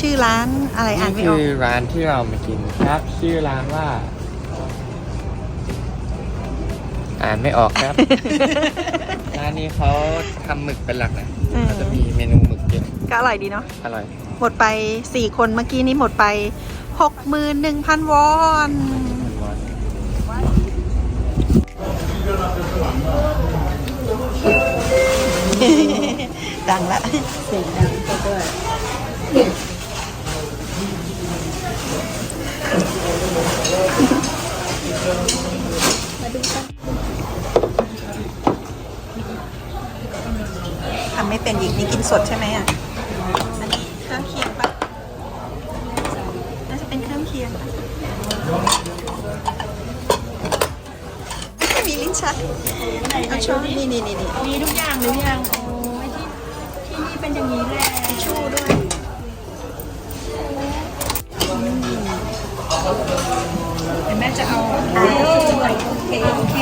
ชื่อร้านอะไรอ่านไม่ออกคือร้านที่เรามากินครับชื่อร้านว่าอ่านไม่ออกครับ ร้านนี้เขาทำหมึกเป็นหลักนะเขาจะมีเมนูหมึกเยอะก็อร่อยดีเนาะอร่อยหมดไป4คนเมื่อกี้นี้หมดไป 61,000 วอน ดังละเสียงดังด้วยทำไม่เป็นอีกนี่กินสดใช่ไหมอ่ะ อันนี้เครื่องเคียงปะน่าจะเป็นเครื่องเคียงปะมีลิ้นชักเอาช้อนนี่มีทุกอย่างหรือยังโอ้ยที่นี่เป็นอย่างนี้แหละทิชชู่ด้วยเดี๋ยวแม่จะเอาโอเค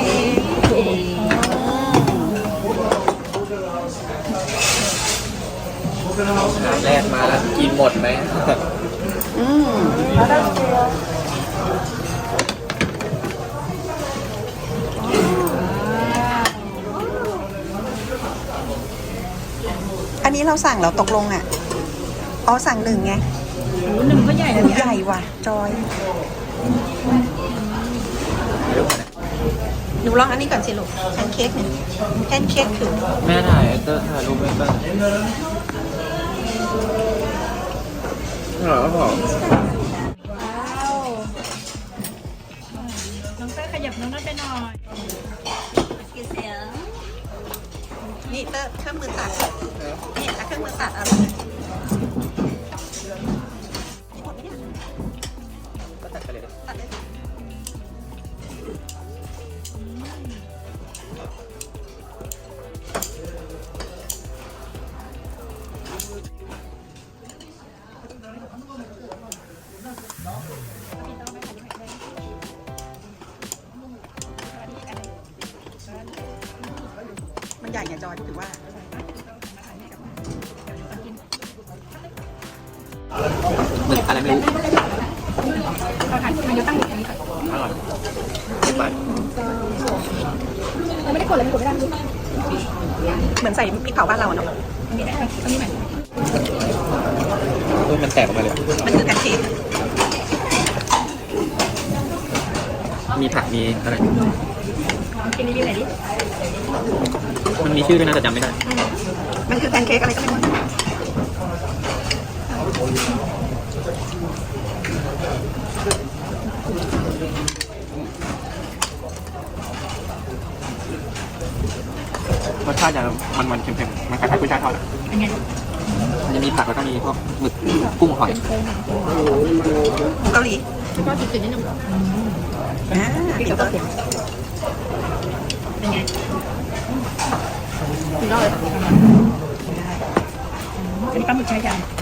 แรกมาแล้วกินหมดไหมอันนี้เราสั่งเราตกลงอ่ะอ๋อสั่ง1ไงหนึ่งก็ใหญ่นะเนี่ยใหญ่ว่ะจอยหนูลองอันนี้ก่อนสิลูกแพนเค้กเนี่ยแพนเค้กคือแม่ถ่ายเตอร์ถ่ายรูปไว้บ้างอร่อยก็พอว้าวน้องเต้ยขยับน้องนั่นไปหน่อยนี่เตอร์เครื่องมือตัดนี่เครื่องมือตัดอะไรนี่หมดไหมเนี่ยก็ตัดไปเลยตัดเลยมันใหญ่ไงจอยถือว่าหมึกอะไรไม่รู้เอาถ่ายมันจะตั้งอยู่ตรงนี้ก่อนอร่อยไปเราไม่ได้กดเลยไม่กดไม่ได้ดูเหมือนใส่พริกเผาบ้านเราเนาะอันนี้ได้อันนี้ใหม่มันแตกออกมาเลยมันคือแพนเค้กมีผักมีอะไรกินรีวิวหน่อยดิมันมีชื่อด้วยนะแต่จำไม่ได้มันคือแพนเค้กอะไรก็ไม่รู้รสชาติจะมันๆเค็มๆมันคล้ายๆกุ้ยช่ายทอดเป็นไงมันจะมีผักแล้วก็มีพวกหมึกกุ้งหอยเกาหลีแล้วก็จืดๆนิดนึงติดตัวเป็นไงถึงรอดเลยอันนี้ปลาหมึกใช้ยัง